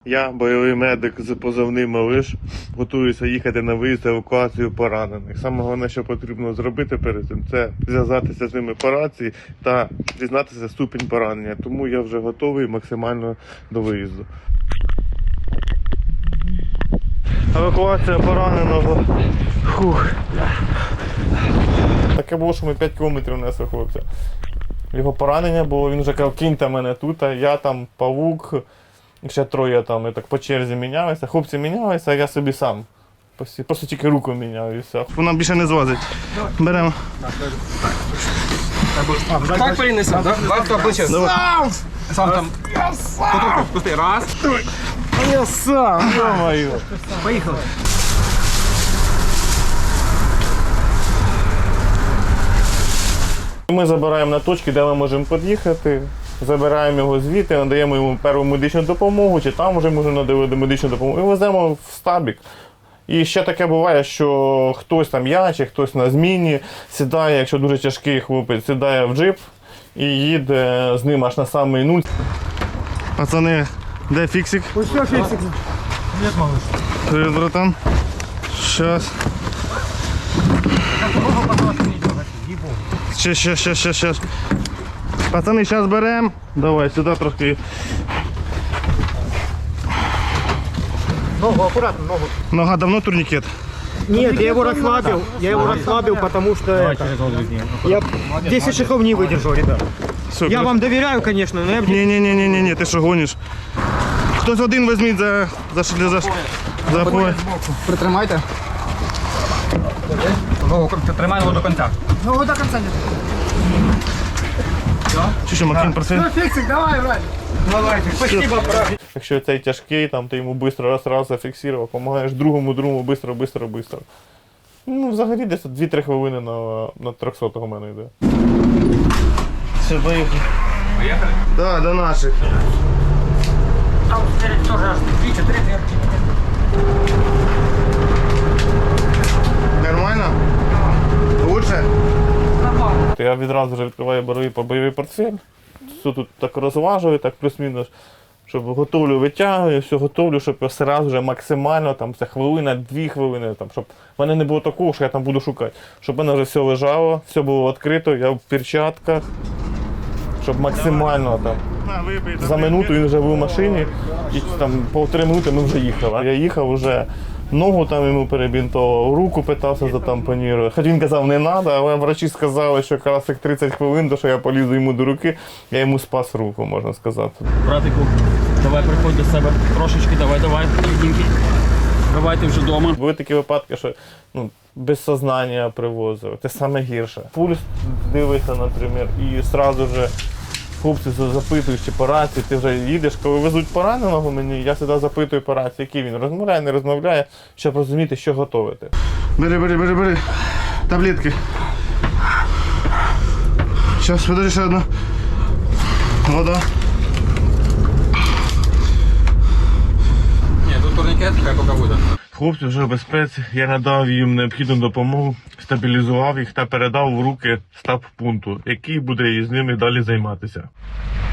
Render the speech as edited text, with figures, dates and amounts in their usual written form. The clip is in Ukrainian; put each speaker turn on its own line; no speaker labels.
Я, бойовий медик з позивним «Малиш», готуюся їхати на виїзд евакуацію поранених. Саме головне, що потрібно зробити перед цим, це зв'язатися з ними по рації та дізнатися ступінь поранення. Тому я вже готовий максимально до виїзду. Евакуація пораненого. Фух. Таке було, що ми 5 кілометрів несли хлопця. Його поранення було, він вже казав, кіньте мене тут, а я там, павук, ще троє там, і так по черзі мінялися. Хлопці мінялися, а я собі сам. Просто тільки руку міняв і все. Вона більше не злазить. Беремо.
Так перенесемо, так? Лапка плече. Сам там. Пусти. Раз.
Я сам, ё-моё.
Поїхали.
Ми забираємо на точки, де ми можемо під'їхати, забираємо його звідти, надаємо йому перву медичну допомогу, чи там вже можемо надавати медичну допомогу, і веземо в стабік. І ще таке буває, що хтось там, я чи хтось на зміні сідає, якщо дуже тяжкий хлопець, сідає в джип і їде з ним аж на самий нуль. Пацани, де фіксик?
Ось що фіксик? Привіт, малыш.
Привіт, братан. Щас. Щас. Пацани, зараз беремо. Давай, сюди трошки.
Ногу, аккуратно, ногу.
Нога давно турникет?
Нет, я его расслабил, потому что это... Я 10 шагов не выдержал, ребят.
Все,
Я вам доверяю, конечно, но я...
Ні, ти що гониш? Хтось один візьміть за пояс.
Притримайте. Ногу, тримай ногу до кінця. Ногу до кінця.
Чи що, Максим, просив?
Фіксик, давай, брат. Давайте, спасибо, брат.
Якщо цей тяжкий, там, ти йому швидко раз зафіксував, допомагаєш другому, швидко. Ну, взагалі десь 2-3 хвилини на 300-го в мене йде. Все, поїхали.
Поїхали?
Так, до наших.
Там спереди тоже аж 2-4 дверки.
Нормально? Лучше?
Нормально.
Я відразу вже відкриваю бойовий портфель. Все тут так розважую, так плюс-мінус, щоб готовлю, витягую, все готовлю, щоб я одразу вже максимально, там, це хвилина, 2 хвилини, там, щоб в мене не було такого, що я там буду шукати. Щоб в мене вже все лежало, все було відкрито, я в перчатках, щоб максимально там. За минуту він вже був в машині, і там по 3 минути ми вже їхали. Я їхав вже, ногу там йому перебінтував, руку питався затампонірувати. Хоч він казав, не треба, але врачі сказали, що якраз як 30 хвилин, то що я полізу йому до руки, я йому спас руку, можна сказати.
Братику, давай приходь до себе трошечки, давай, дівчинки. Давайте вже вдома.
Були такі випадки, що без сознання привозили. Це саме гірше. Пульс дивиться, наприклад, і одразу вже хлопці запитують, чи по рації, ти вже їдеш, коли везуть пораненого мені, я завжди запитую по рації, який він розмовляє, не розмовляє, щоб розуміти, що готувати. Бери. Таблетки. Зараз, подожди, ще одну. Вода.
Ні, тут турнікет, хай поки буде.
Хлопці вже в безпеці, я надав їм необхідну допомогу, стабілізував їх та передав в руки штаб-пункту, який буде із ними далі займатися.